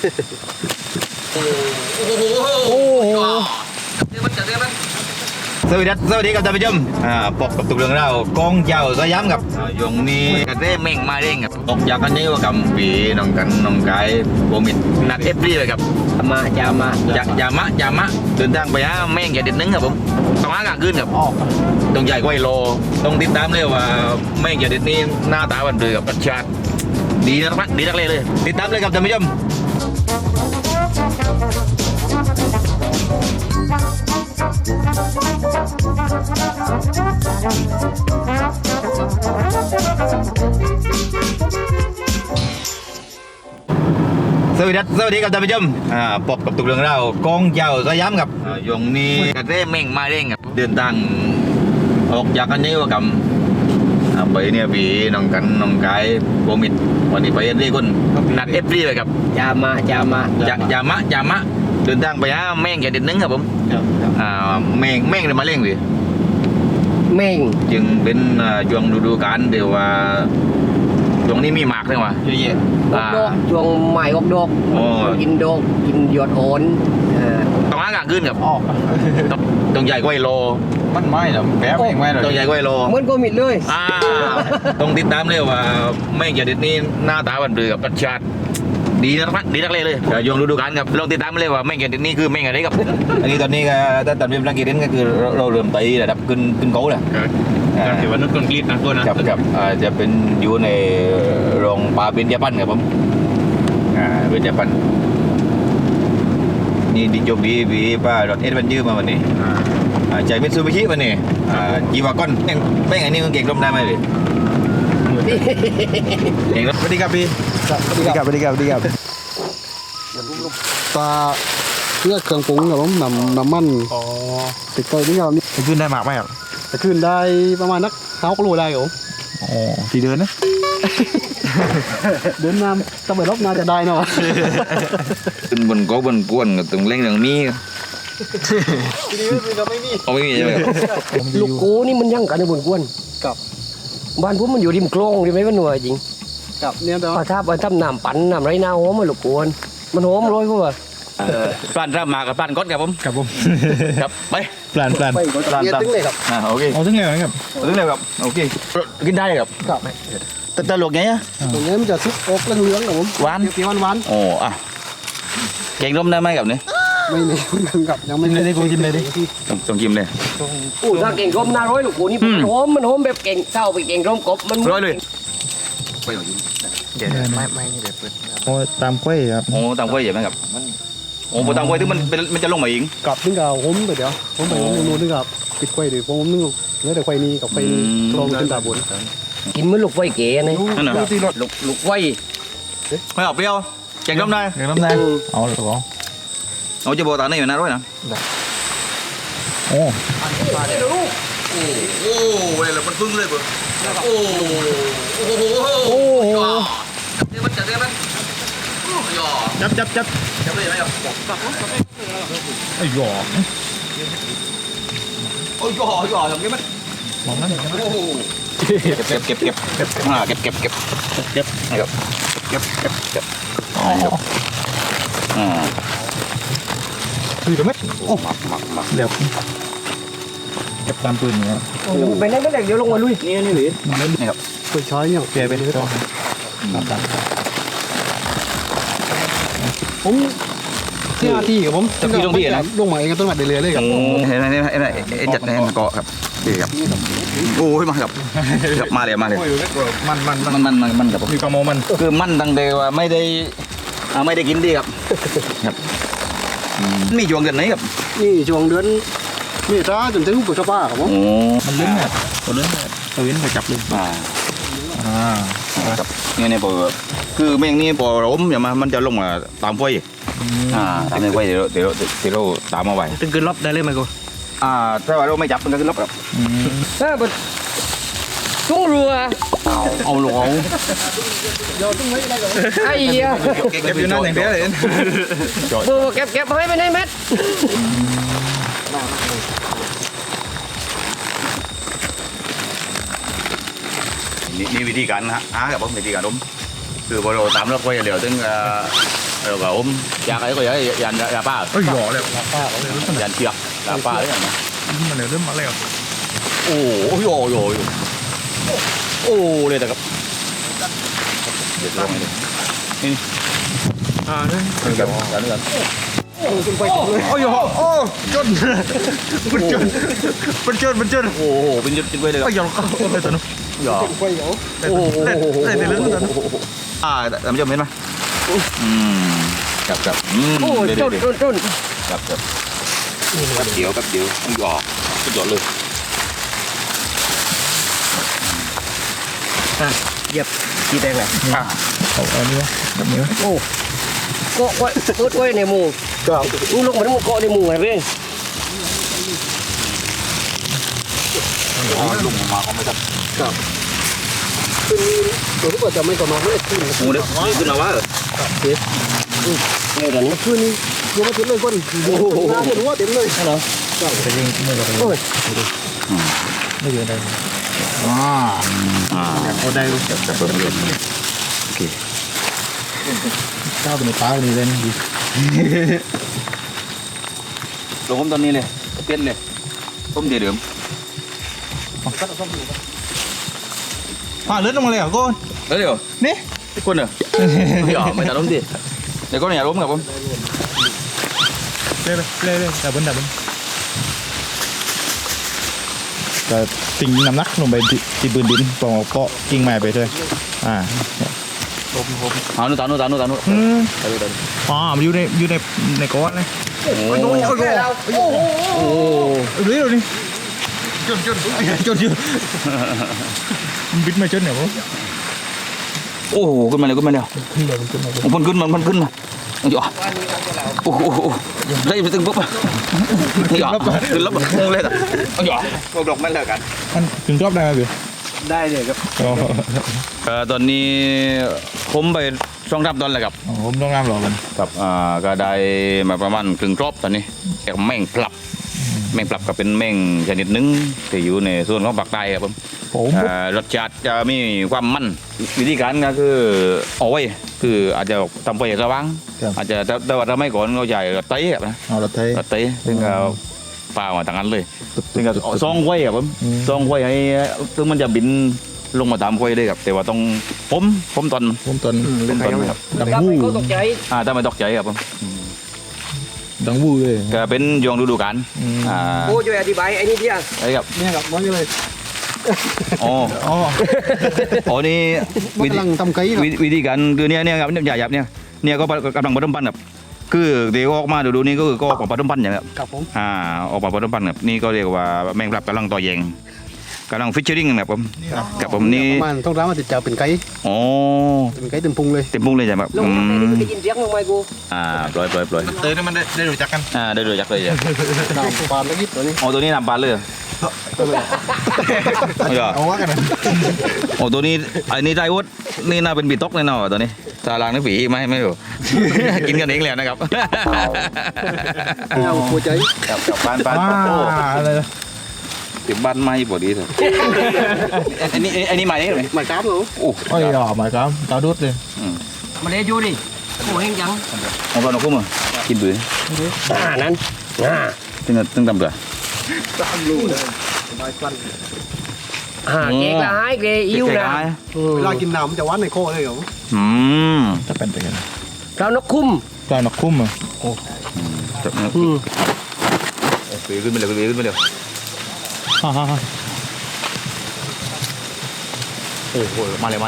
โอ้โหสวัสดีครับท่านผู้ชมพบกับตุกเรื่องเรากองเจ้าสยามครับยงนี้กระเด้เม่งมาเร่งครับตกจากกันนี้ว่ากับปีน้องกันน้องกายโบมิดนักเอฟรีเลยครับยามะเดินทางไปหาแม่งอย่าเด็ดนึงครับผมต้องหากลางคืนครับต้องใหญ่กว่าไอโลต้องติดตามเลยว่าแม่งอย่าเด็ดนี่หน้าตาบันเดือกับประชาติดีนักเลยติดตามเลยครับท่านผู้ชมสวัสดีครับท่านผู้ชมพบกับตุกเรื่องเรากองเจ้าสยามครับยงนี้กระเด้เม่งมาเร่งครับเดินทางออกจากกันนี้ว่ากับไปเนี่ยปีน้องกันน้องกายโบมิดวันนี้ไปเรียกคนนัดเอฟรีเลยครับยามะเดินทางไปหาแม่งอย่าเด็ดนึงครับผมแม่งเลยมาเร่งพี่แม่งจึงเป็นช่วงฤดูกาลเดี๋ยวว่าช่วงนี้มีหมากเลยว่ะเยอะแยะดอกช่วงใหม่ดอกกินดอกกินหยอดโอนต้องหากลางคืนครับต้องใหญ่กว่าไอโลมันไม่หรอแป๊บเองไม่หรอต้องใหญ่กว่าไอโลเหมือนก็มิดเลยต้องติดตามเลยว่าแม่งอย่าเด็ดนี่หน้าตาบันเดือกับประชาติดีนักเลยยงฤดูกาลครับลองติดตามเลยว่าแม่งอย่าเด็ดนี่คือแม่งอะไรครับอันนี้ตอนนี้ก็ถ้าตอนนี้เป็นนักกีฬาก็คือเราเริ่มไประดับขึ้นโก้เลยถือว่านุชคนกรีดนะตัวนะครับจะเป็นอยู่ในโรงปลาเบญจพรรณครับผมเบญจพรรณนี่ดิจบดีป้ารถเอสบันยืมมาวันนี้ใจมิตซูบิชิวันนี้จีวาก้อนแป้งอันนี้มันเก่งร่มได้ไหมพี่เก่งร่มสวัสดีครับพี่สวัสดีครับปลาเลือดเครื่องปรุงครับผมน้ำมันติดไปนี่ครับนี่จะขึ้นได้มากไหมครับจะขึ้นได้ประมาณนัก5 โลได้ครับผมกี่เดือนนะเดินน้ำต้องไปลบนาจะได้เนาะขึ้นบนโก้บนกวนกับตรงเล่งตรงนี้ทีนี้ไม่มีใช่ไหมครับลูกกูนี่มันยั่งกันในบนกวนกับบ้านผมมันอยู่ริมคลองริมไหมมันหน่วยจริงกับเนี่ยเดี๋ยวถ้าไปทำน้ำปั่นน้ำไรน้าหอมมันลูกกวนมันหอมร้อยพวกปลานรับมากับปลานก้อนครับผมครับไปปลานเนี่ยตึ้งเลยครับโอเคเอาตึ้งเลยครับโอเคกินได้ครับแต่หลวกไงตรงนี้มันจะซุกอกเหลืองครับผมหวานเปรี้ยวหวานโอ้แกงร่มได้ไหมกับนี้ไม่มีกับยังไม่ได้กูชิมเลยดิต้องชิมเลยถ้าเก่งร่มน่าร้อยลูกกูนี่มันหอมแบบเก่งเศร้าไปเก่งร่มกบมันร้อยเลยไปหน่อยเดี๋ยวไม่เดี๋ยวเปิดโอ้ตามกล้วยครับตามกล้วยอย่างไรครับโอ้ตามกล้วยถึงมันจะลงมาเองกับนึงกับผมไปเดี๋ยวผมไปนู่นนึงกับปิดกล้วยดิผมนึงแล้วแต่กล้วยนี้กับกล้วยนี้ลองขึ้นตาบนกินเหมือนลูกไฟเก๋นี่ลูกไฟไม่เอาเปรี้ยวแกงร่มได้เอาหรอเอาจะบอกตาในอยู่นะร้อยนะโอ้เวลามันพึ่งเลยเบอร์มันจับได้ไหมจับเลยไหมครับไอ้หยอหยอทำไงมันมองนั่นเก็บคือจะไม่เดี๋ยวเก็บตามปืนเนี่ยไปนั่นไม่ได้เดี๋ยวลงมาลุยนี่หรือนี่ครับไปช้อยเนี่ยแกไปเลยต่อผมที่กับผมจะพี่ลงที่นะลงมาเองก็ต้องมาเรื่อยๆเลยครับเห็นไหมจัดให้มันเกาะครับดีครับโอ้ยมาครับมาเลยมันครับมีความมันคือมันตั้งแต่ว่าไม่ได้กินดีครับมีช่วงเดือนไหนครับนี่ช่วงเดือนมีช้าจนถึงปุถุป้าครับผมมันเล่นเนี่ยตัวเล่นตัวเล่นไปจับเลยครับนี่พอคือแมงนี่พอล้มอย่างมันจะลงมาตามไฟตามไฟเดี๋ยวเราตามมาไว้ตึงขึ้นรอบได้เลยไหมกูถ้าว่าเราไม่จับมันก็ขึ้นรอบครับตุ้งรัวเอาหลงไอ้เหี้ยเก็บอยู่นั่นอย่างเดียวเลยเก็บให้ไปในเม็ดนี่วิธีการหากับผมวิธีการล้มคือพอเราตามรอบไฟเดี๋ยวถึง rồi bảo ôm dạ cái có vậy dàn là ba เอ้ยหยอเลย dàn chia là ba đấy nhỉ มันเลยเริ่มมาแล้ว ôi ôi ôi ôi đây là gặp được rồi này อ่าเนี่ย gần gần gần โอ้ยโอ้จนมันจนมันจนมันจน ồ bên trên quay đây ไอ้ gặp หยอเข้าไปตัวนู้น giò ได้แต่เรื่องตัวนู้น à làm cho miếng mà gặp gặp โอ้ย đây จ đây น đây จน gặp gặp cắt điệu con giò luôn เหยียบกี่แดงเลยเอาอันนี้วะแบบนี้วะโอ้เกาะไว้เปิดไว้ในหมู่มึงลงมาแล้วมึงเกาะในหมู่ไงเว้ย lùng mà không phải thật ตัวที่ว่าจะไม่ประมาณไม่ขึ้น mù đấy cứ nào quá rồi เนี่ยเดี๋ยวนี้ขึ้นยังไม่ถึงเลยคนน้ำรู้ว่าเต็มเลยเหรอแต่ยังไม่ได้โอ้ยไม่เยอะได้เอาได้จับจับเริ่มโอเคข้าวเป็นปลาเป็นเล่นดีลงผมตอนนี้เลยเต้นเลยต้มเดือดผ่าเลือดลงมาเลยเหรอก้น đấy rồi นี่ cái quân à nhỏ mày ta đóng tiền để con nhà đóng gặp không เล่เล่ดับเบิ้ลจะติงน้ำหนักลงไปที่ปืนดินปองเกาะกิ่งไม้ไปด้วยเอานู่นตานู่นตานู่นตานู่นอ๋อมันอยู่ในก้อนเลยโอ้โหโอ้ดูดิจนมันบิดมาจนเนี่ยผมโอ้โหขึ้นมาเลยขึ้นมาแล้วขึ้นเลยมันขึ้นมาเลยมันขึ้นมันขึ้นมาหยอโอ้โหได้ไปตึงปุ๊บหยอขึ้นแล้วแบบงงเลยอ่ะหยอพวกดอกไม่เลิกกันมันถึงรอบได้ไหมพี่ได้เลยครับตอนนี้ผมไปช่องรับตอนแหละครับผมต้องงามหรอมันครับก็ได้มาประมาณครึ่งรอบตอนนี้แต่แม่งปรับก็เป็นแม่งชนิดหนึงที่อยู่ในส่วนของภาคใต้ครับผมผมรสชาติจะมีความมันวิธีการก็คือเอาไว้คืออาจจะทำไปสว่างอาจจะแต่ว่าถ้าไม่ก่อนเราใหญ่รถไถครับนะเอารถไทยรถไถซึ่งก็ปลามาต่างกันเลยซึ่งก็ซองไว้ครับผมซองไว้ให้ซึ่งมันจะบินลงมาตามไว้เลยครับแต่ว่าต้องผมตอนผมตอนผมตอนครับดังรับวู้ไปก็ตกใจถ้าไม่ตกใจครับผมดังวู้เลยก็เป็นยงฤดูกาลโอ้ช่วยอธิบายไอ้นี่เดียวไอ้ครับเนี่ยครับมันเลยอ๋ออ๋ออ๋อนี่มันกำลังทำไก่ครับวิธีการคือเนี่ยครับหยาบเนี่ยก็กำลังผสมพันธุ์ครับคือเดี๋ยวออกมาดูนี่ก็คือก็ออกมาผสมพันธุ์อย่างครับกับผมออกมาผสมพันธุ์ครับนี่ก็เรียกว่าแมงปรับกำลังต่อแยงกำลังฟิชเชอริงครับผมกับผมนี่ประมาณต้องร้านมาติดจ่าเป็นไก่อ๋อเป็นไก่เต็มพุงเลยเต็มพุงเลยใช่ไหมลงมาในนี้ได้ยินเสียงลงมากูปล่อยเตยนี่มันได้รู้จักกันได้เลยจักเลยจ้ะตามปานแล้วนิดตัวนี้อ๋อตัวนี้นำปลาเลยเอาว่ากันนะโอ้ตัวนี้ไอ้นี่ได้วุฒนี่น่าเป็นบีต๊อกแน่นอนตัวนี้ตาลางนี่ฝีไม่รู้ กินกันเองแล้วนะครับเอาหัวใจกับบ้านอะไรนะติดบ้านไม้พอดีเลยอันนี้ไม้ไหมหมายกราฟเหรอโอ้โอ้ยอ๋อหมายความตาดุดเลยมาเลยดูดิโอ้เฮงจังของเราคุ้มอ่ะกินบื้อนั้นตึงตำเบื่อเกกละหายเกอิ่วนะเวลากินน้ำมันจะหวานในคอเลยเหรอจะเป็นไปกันเรานกคุ้มตอนนักคุ้มอ่ะจับฝีขึ้นไปเลยขึ้นไปเลยฮ่าโอ้โหมาเลย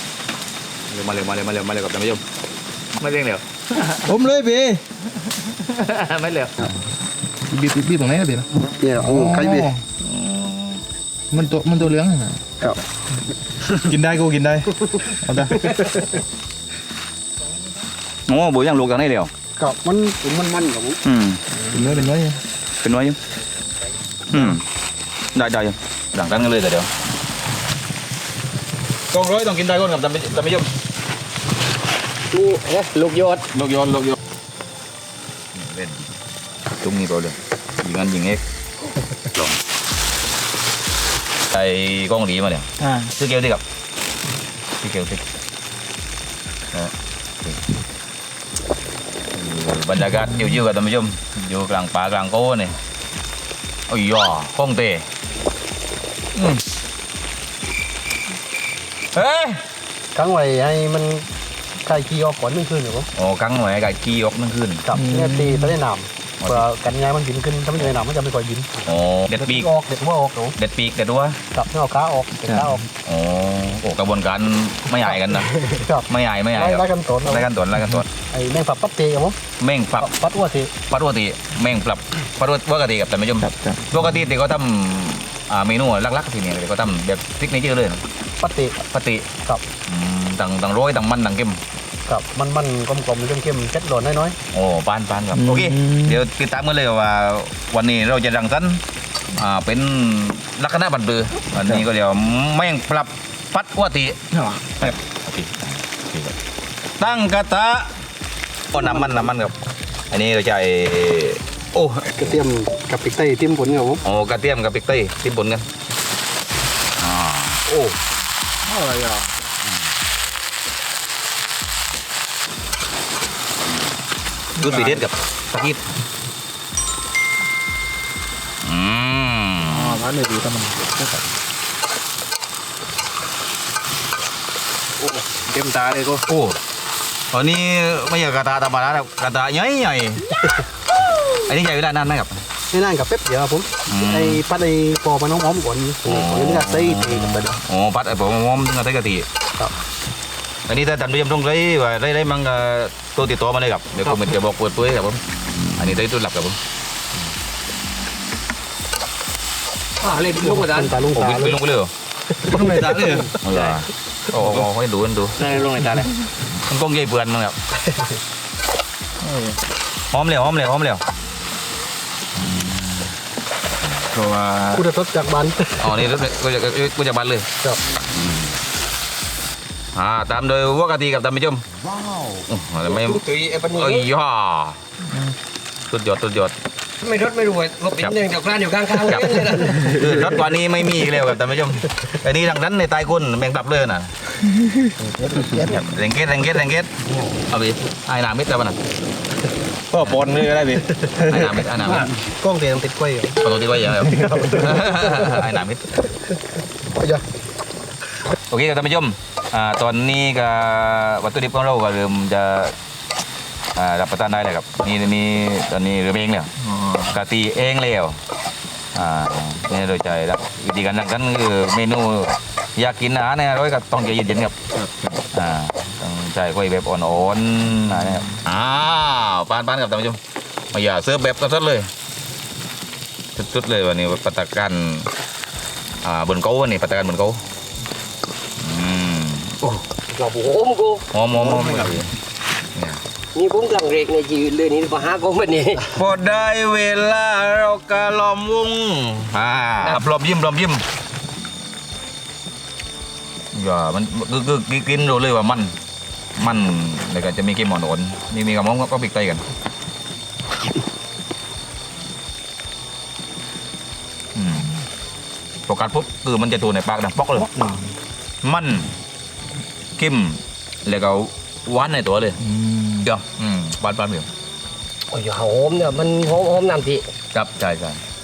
กับท่านผู้ชมไม่เร่งเร็วผมเลยพี่ไม่เร็วบีตรงไหนนะพี่นะเนี่ยโอ้ไก่เบ็ดมันตัวเหลืองนะครับ กินได้กูกินได้เอาได้โอ้โหยังลูกกันได้เร็วกับมันกับผมเป็นน้อยเป็นน้อยยังได้ยังหลังกันกันเลยแต่เดี๋ยวกองร้อยต้องกินได้ก่อนกับท่านผู้ชมลูกยอดลูกยนเล่นตุ้งนี่เปล่าเลยยิงกันยิงเอ็กลองไอ้กล้องหลีมาเนี่ยซื้อเกลียวดิครับซื้อเกลียวดิบรรยากาศชิวๆกับท่านผู้ชมอยู่กลางป่ากลางโก้นี่โอ้ยย่อคงเตะเฮ้ยครั้งไว้ให้มันไก่ขี้ออกก่อนนึงคืนครับผมโอ้กังหน่อยไก่กี้ออกนั่งขึ้นกับเนี่ยตีทะเลน้ำเพื่อกันย้ายมันบินขึ้นถ้าไม่ทะเลน้ำมันจะไม่ค่อยบินโอ้เด็ดปีกออกเด็ดหัวออกครับผมเด็ดปีกเด็ดวัวกับเนี่ยเอาขาออกเด็ดขาออกโอ้กระบวนการไม่ใหญ่กันนะครับ ไม่ใหญ่ไล่กันตนไล่กันตัวไล่กันตัวไอ้แมงฝับปั๊บเตะครับผมแม่งปรับปัดอ้วเตะปกติแม่งปรับปกติกับท่านผู้ชมปกติเด็กก็ทำเมนูลักๆทีนี้เด็กก็ทำแบบซิกเนเจอร์เลยปัดเตะปกติกับต่างโรยต่างมันต่างเค็มกับมันกลมๆเข้มๆเช็ดหล่นน้อยโอ้ปานครับโอเคเดี๋ยวติดตามกันเลยว่าวันนี้เราจะรังสรรค์เป็นลักษณะบันเบือวันนี้ก็เดี๋ยวแม่งปรับปัดวัติโอเคครับตั้งกระทะโอ้น้ำมันครับอันนี้เราจะโอ้ๆกระเทียมกับพริกไทยทิ่มผลครับผมโอ้กระเทียมกับพริกไทยที่บนกันโอ้อะไรอ่ะดูสีเด็ดกับตะกี้ร้านเลยดีแต่มันเต็มตาเลยก็โอ้ตอนนี้ไม่ใช่กระทะธรรมดาแล้วกระทะใหญ่อันนี้ใหญ่เวลานานไหมครับไม่นานกับแป๊บเดียวครับผมไอ้ปัดไอ้ปอมันน้องหอมก่อนก่อนนี้ก็ใส่เตะกับไปโอ้พัดไอ้ผมมอมถึงกระทะกะทิครับอันนี้ถ้าท่านผู้ชมต้องได้ว่าได้มั่งตัวติดตัวมาเลยครับเดี๋ยวผมจะบอกเปิดตัวครับผมอันนี้ได้ตัวหลับครับผมเล่นลูกกระดานตาลุงผมตาไปเลยลงไปเลยต้องไหนตาเลยโอ้ให้ดูได้ลงในตาเลยมันกล้องใหญ่เปื่อนมั้งครับหอมเหลวก็ว่ากูจะทดจากบันอ๋อนี่ก็จะบันเลยครับตามโดยวัวกะทิกับท่านผู้ชมว้าวไม่ตุยไอ้ปนีเอ้ยย่าสุดยอดไม่รถไม่รวยรถเป็นอย่างเดียวกลางอยู่ข้างๆเลยนะคือรถกว่านี้ไม่มีอีกแล้วครับท่านผู้ชมอันนี้ทางนั้นในใต้ก้นแมงตับเลยน่ะแรงเกตเอาไปไอ้หนามิดแล้วมันก็ปนเลยก็ได้ดิไอ้หนามิดกล้องเตะติดกล้วยปกติไว้อย่างไรไอ้หนามิดเยอะโอเคครับท่านผู้ชมตอนนี้ก็วัตถุดิบของเราก็เริ่มจะรับประทานได้เลยครับนี่ตอนนี้เริ่มเองแล้วกะทิเองแล้วนี่โดยใจแล้ววิธีการทำกันคือเมนูอยากกินอาหารเนี่ยร้อยก็ต้องใจเย็นๆครับต้องใจค่อยแบบอ่อนๆนะครับปานครับท่านผู้ชมมาอย่าเสิร์ฟแบบกระสุดเลยสุดเลยวันนี้ปัตตากันบนเก้าวันนี้ปัตตากันบนเก้าเราโหมกูหอมนี่ผมกำลังเรกในชีวิตเลยนี่มาหากูมันนี่พอได้เวลาเรากะล้อมวงปลอมยิ้มอย่ามันคือกินดูเลยว่ามันแล้วก็จะมีเกมหมอนมีกระมงก็ปิกไตกันพอกัดปุ๊บคือมันจะตัวในปากดังป๊อกเลยมันเข้มแล้วก็หวานในตัวเลยเดี๋ยวหวานเดียวโอ้ยหอมเนี่ยมันหอมน้ำทีครับใช่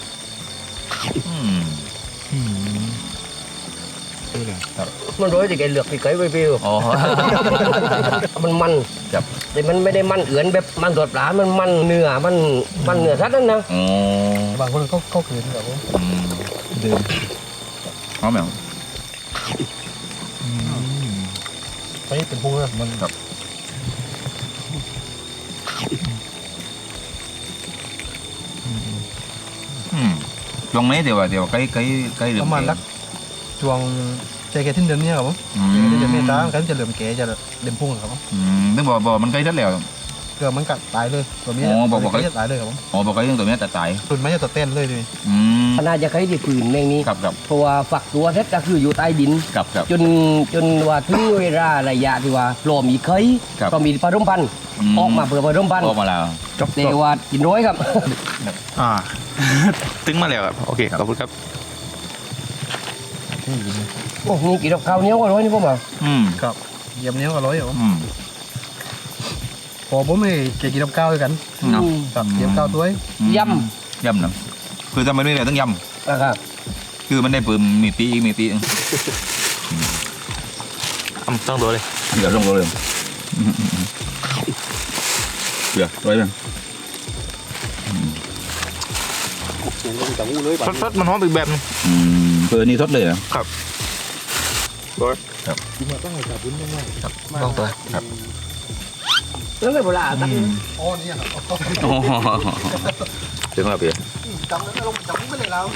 มันร้อยแต่แกเหลือกพี่ไก่ไปฟิวอ๋อมันครับแต่มันไม่ได้มันเอือนแบบมันสดปลามันเนื้อมันเนื้อสัตว์นั่นนะอ๋อบางคนเขาคืนแบบว่าเดิมหอมไหมไปเป็นพวกนั้นมันครับตรงนี้เดี๋ยวใกล้เดือประมาณสักช่วงใจแกทิ้งเดือนนี้ครับผมเดือนเมษากันจะเหลื่อมแกจะเด่มพุ่งครับผมนึกบอกมันใกล้ทัดแล้วเกือบมันกัดตายเลยตัวนี้ตายเลยครับผมอ๋อบอกใกล้เรื่องตัวนี้แต่ตายตุนไม่จะตัวเต้นเลยดิขนาดจะใครที่ผืนแมงนี้ครับเพราะว่าฝักตัวเท็จก็คืออยู่ใต้ดินครับจนว่าถึงเวลาระยะที่ว่าพร้อมอีกเคยครับก็มีผสมพันธุ์ออกมาเพื่อผสมพันธุ์ออกมาแล้วแต่ว่ากินร้อยครับตึงมาแล้วครับโอเคขอบคุณครับโอ้นี่กินกับข้าวเหนียวก็ร้อยนี่พวกมันครับเยี่ยมเนี้ยก็ร้อยครับผมผมอผมไม่เกี่ยวกับข้าวด้วยกันเนาะกับเกี่ยวกับข้าวด้วยยยำเนาะคือทำไมไม่ได้ต้องยำนะครับำคือมันได้เพิ่มมีปีอีกมีปีอีกต้องตัวเลยเดี๋ยวลงเลยเดี๋ยวไว้บ้างอย่างนี้จะงูเลยแบบสดๆมันหอมอีกแบบนึงเพื่อนี่ทดเลยนะต้องตัวแล้วเลยโบราณตั้งอ๋อนี่ครับถึงแล้วพี่จำแล้วลงจำไม่เลยแล้ว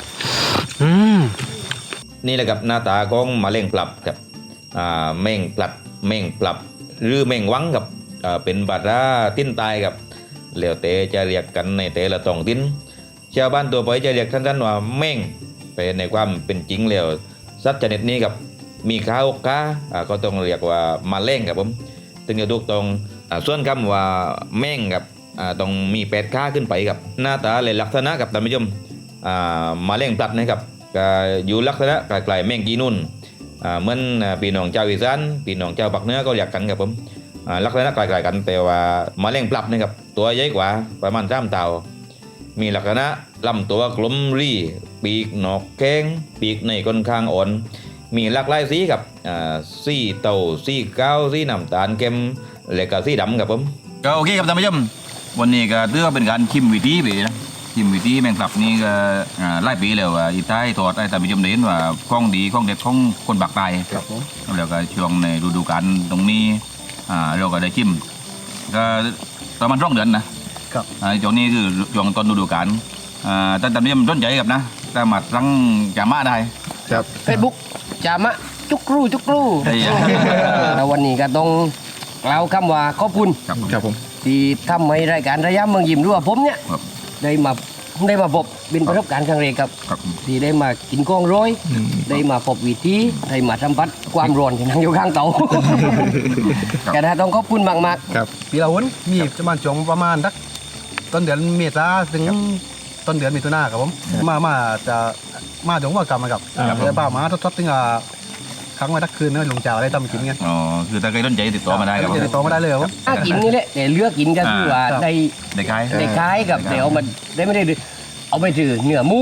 นี่แหละครับหน้าตาของมะเร็งปรับครับแม่งปลัดแม่งปรับหรือแม่งวังครับเป็นบาดาติ้นตายครับแล้วแต่จะเรียกกันในแต่ละท้องถิ่นชาวบ้านตัวไปจะเรียกท่านๆว่าแม่งแต่ในความเป็นจริงแล้วสัตว์ชนิดนี้ครับมีขาอกขาก็ต้องเรียกว่ามาเร่งครับผมถึงจะถูกต้องส่วนคำว่าแม่งครับต้องมี8ขาขึ้นไปครับหน้าตาและลักษณะกับท่านผู้ชมมาเร่งปลัดนะครับก็อยู่ลักษณะคล้ายๆแม่งกีนุ่นเหมือนพี่น้องเจ้าอีสานพี่น้องเจ้าภาคเหนือก็เรียกกันครับผมลักษณะคล้ายๆกันแต่ว่ามาเร่งปลัดนะครับตัวใหญ่กว่าประมาณ3 เท่ามีลักษณะลำตัวกลมรีปีกหนอกแข้งปีกในค่อนข้างอ่อนมีหลากหลายสีครับสีเต่าสีขาวสีน้ำตาลเข้มและก็สีดำครับผมก็โอเคครับท่านผู้ชมวันนี้ก็ถือว่าเป็นการชิมวิธีไปนะชิมวิธีแมงกลับนี่ก็หลายปีแล้วอีท้ายทอดให้ท่านผู้ชมได้เห็นว่าของดีของเด็ดของคนปากใต้ครับผมแล้วก็ช่วงในฤดูกาลตรงนี้เราก็ได้ชิมก็ประมาณ2 เดือนนะครับ ช่วงนี้คือช่วงต้นฤดูกาลท่านผู้ชมต้นใจครับนะสามารถสั่งจาม่าได้ครับเฟซบุ๊กจามะจุกรูจุกรูได้ยังแล้ววันนี้ก็ต้องกล่าวคำว่าขอบคุณครับผมที่ทำให้รายการระยะเมืองยิ้มรู้ว่าผมเนี่ยครับได้มาพบเป็นประสบการณ์ครั้งแรกครับครับที่ได้มากินกองร้อยได้มาพบวิธีได้มาสัมผัสความร้อนที่นั่งอยู่ข้างเตาก็ได้ต้องขอบคุณมากปีละวันมีประมาณช่วงประมาณสักต้นเดือนเมษาถึงต้นเดือนมิถุนาครับผมมาจะมาถึงว่ากลับมากับแล้วป้ามาทดๆถึงครั้งมาทักคืนนี่ลงจ่าได้ทำกินไงอ๋อคือถ้าใครสนใจติดต่อมาได้ครับจะติดต่อมาได้เลยครับผมๆถ้ากินนี่แหละแต่เลือกกินก็คือว่าครับได้ได้ขายได้คล้ายกับเดี๋ยวมันได้ไม่ได้เอาไปถือเนื้อหมู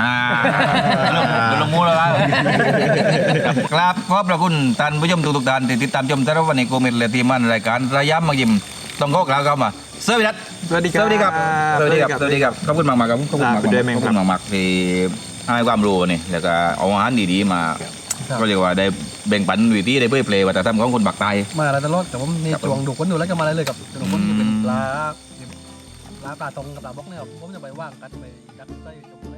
ลงมูแล้วครับขอบพระคุณท่านผู้ชมทุกท่านที่ติดตามชมสารวัตรในโกเมตและทีมงานรายการระยะมายิ้มต้องขอกล่าวคำว่าสวัสดีครับสวัสดีครับสวัสดีครับสวัสดีครับสวัสดีครับขอบคุณมากๆครับขอบคุณมากขอบคุณด้วยแม่งขอบครัคุบณมากๆที่ให้ความรู้นี่แล้วก็เอาอาหารดีๆมา ก็เรียกว่าได้แบ่งปันวิธีได้เผยแพร่วัฒนธรรมของคนปากใต้มาแล้วตลอดแต่ผมนี่จวงดูคนดูแล้วก็มาได้เลยกับดูคนที่เป็นปลาปลาตรงกับปลาบล็อกเนี่ยครับผมจะไปว่างกันไปกัดไส้